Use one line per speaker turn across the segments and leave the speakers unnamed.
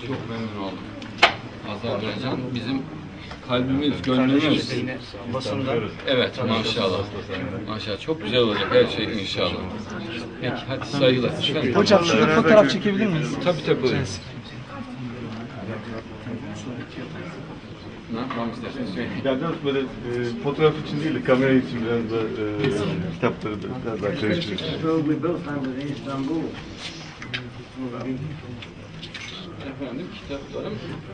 çok memnun oldum. Azerbaycan bizim kalbimiz, gönlümüz.
Basında.
Evet, maşallah. Maşallah, çok güzel olacak her şey inşallah. Peki, hadi saygılar.
Hocam şurada fotoğraf çekebilir miyiz?
Tabii buyurun. Ne yapmam isterseniz söyleyin.
Yani biraz böyle fotoğraf için değil de kamera için biraz da kitapları da biraz daha karıştırıyoruz.
Efendim, kitaplarım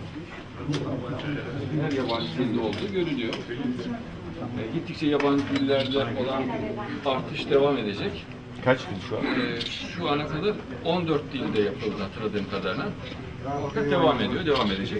her yabancı dilde olduğu görülüyor. Gittikçe yabancı dillerde olan artış devam edecek.
Kaç dil şu an?
Şu ana kadar 14 dilde yapıldı hatırladığım kadarıyla. Fakat devam ediyor, devam edecek.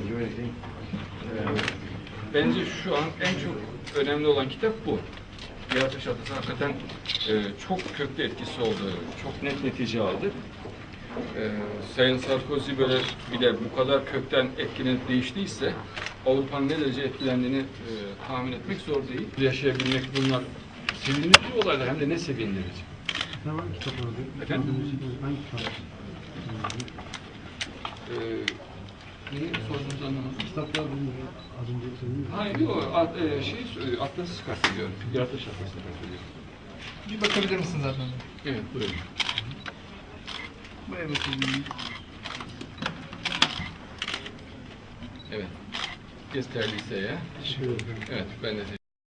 Bence şu an en çok önemli olan kitap bu. Yaratış Atası hakikaten çok köklü etkisi oldu, çok net netice aldı. Sayın Sarkozy böyle bir de bu kadar kökten etkilenip değiştiyse Avrupa'nın ne derece etkilendiğini tahmin etmek zor değil. Yaşayabilmek bunlar sevindirici olaylar, hem de ne sevindirici.
Ne var kitap orada?
Efendim?
Hangi kitap?
Neyi sorduğunuzu anlamadım.
Kitaplar bilmiyorum. Az önce söyledim.
Hayır, yok. Atlas'ı kastediyorum. Yaratış Atlas'ı kastediyorum.
Bir bakabilir misiniz zaten?
Evet, buyurun.
Bu evet.
Evet. Gösterdiyse ya.
Teşekkür ederim.
Evet, ben de